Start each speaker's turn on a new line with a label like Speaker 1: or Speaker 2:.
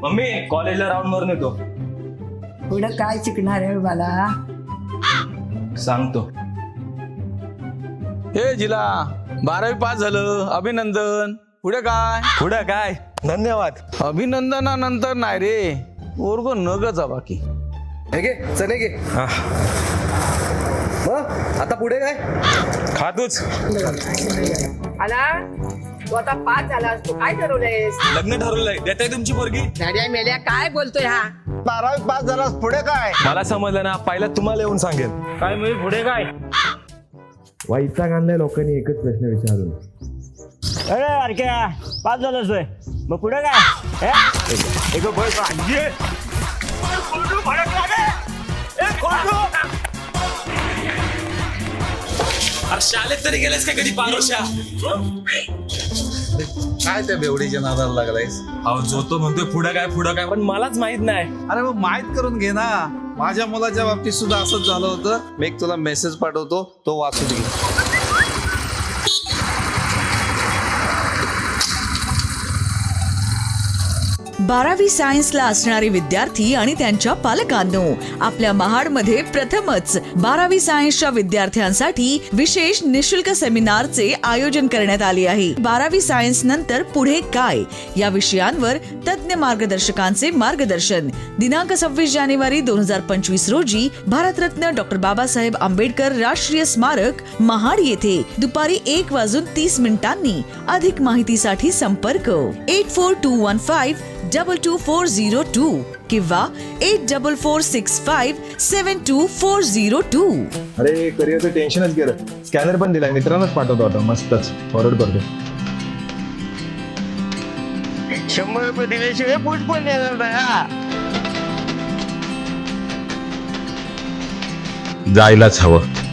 Speaker 1: Mummy कॉलेजला round मारून येतो.
Speaker 2: पुढं काय शिकणार आहे मला?
Speaker 1: सांगतो.
Speaker 3: हे जिला 12वी पास झालं, अभिनंदन. पुढे काय?
Speaker 1: पुढं काय? धन्यवाद.
Speaker 3: अभिनंदनानंतर नाही रे, वर्ग नगचा बाकी.
Speaker 4: चले गे. मग आता पुढे काय?
Speaker 1: खातोच.
Speaker 2: आला तू आता पास झालास, तू काय ठरवलंयस?
Speaker 1: लग्न ठरवलंय. देताय तुमची पोरगी?
Speaker 2: गाड्या मेल्या काय बोलतोय हा?
Speaker 4: 12वी पास झालास पुढे काय?
Speaker 1: मला समजलं ना, पहिला तुम्हाला येऊन सांगेल.
Speaker 5: काय म्हणजे पुढे काय?
Speaker 6: वैताग आणलाय लोकांनी एकच प्रश्न विचारून.
Speaker 5: अरे अरक्या पास झालास होय, मग पुढे काय?
Speaker 1: शाळेत तरी गेलेस का कधी पारोशा?
Speaker 4: काय त्या बेवडीच्या नादाला लागलायस?
Speaker 1: अहो जो तो म्हणतोय पुढं काय, पण मलाच माहित नाही.
Speaker 4: अरे मग माहित करून घे ना. माझ्या मुलाच्या बाबतीत सुद्धा असंच झालं होतं. मी एक तुला मेसेज पाठवतो, तो वाचून घे.
Speaker 7: 12वी सायन्सला असणारे विद्यार्थी आणि त्यांच्या पालकांनो, आपल्या महाडमध्ये प्रथमच 12वी सायन्सच्या विद्यार्थ्यांसाठी विशेष निशुल्क सेमिनारचे आयोजन करण्यात आले आहे. 12वी सायन्स नंतर पुढे काय या विषयांवर तज्ञ मार्गदर्शकांचे मार्गदर्शन. दिनांक 26 जानेवारी 2025 रोजी भारतरत्न डॉक्टर बाबासाहेब आंबेडकर राष्ट्रीय स्मारक महाड येथे दुपारी 1:30 अधिक माहितीसाठी संपर्क 8421522402 किंवा 8446572402.
Speaker 6: अरे करिअरचं टेन्शनच गेलं. स्कॅनर पण दिलाय, मित्रांनाच पाठवतो आता. मस्तच फॉरवर्ड करतो.
Speaker 5: 100 रुपये दिल्याशिवाय पोट पण येणार नाही हा.
Speaker 8: जायलाच हवं.